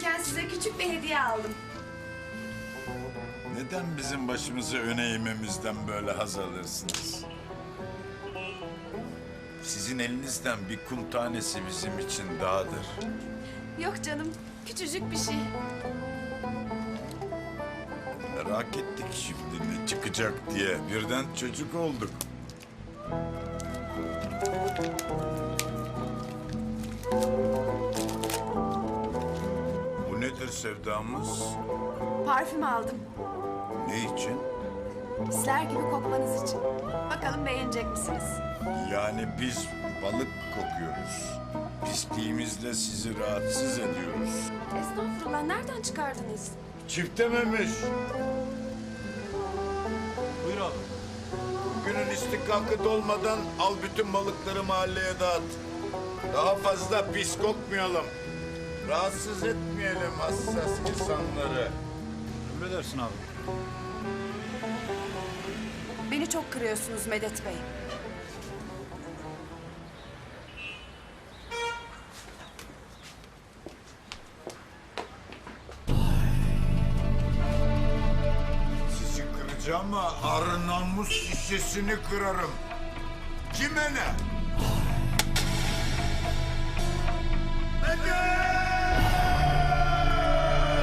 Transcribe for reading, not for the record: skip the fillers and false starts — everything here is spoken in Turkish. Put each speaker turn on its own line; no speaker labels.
gelirken size küçük bir hediye aldım.
Neden bizim başımızı öne eğmemizden böyle haz alırsınız? Sizin elinizden bir kum tanesi bizim için dağdır.
Yok canım, küçücük bir şey.
Merak ettik şimdi ne çıkacak diye. Birden çocuk olduk. Bu nedir sevdamız?
Parfüm aldım.
Ne için?
Sizler gibi kokmanız için. Bakalım beğenecek misiniz?
Yani biz balık kokuyoruz. Pisliğimizle sizi rahatsız ediyoruz.
Estağfurullah, nereden çıkardınız?
Çiftememiş.
Buyur abi.
Günün istihkakı dolmadan al bütün balıkları mahalleye dağıt. Daha fazla pis kokmayalım. Rahatsız etmeyelim hassas insanları.
Emredersin abi.
Beni çok kırıyorsunuz Medet Bey.
Sizi kıracağım ama arı namus şişesini kırarım. Kime ne? Medet!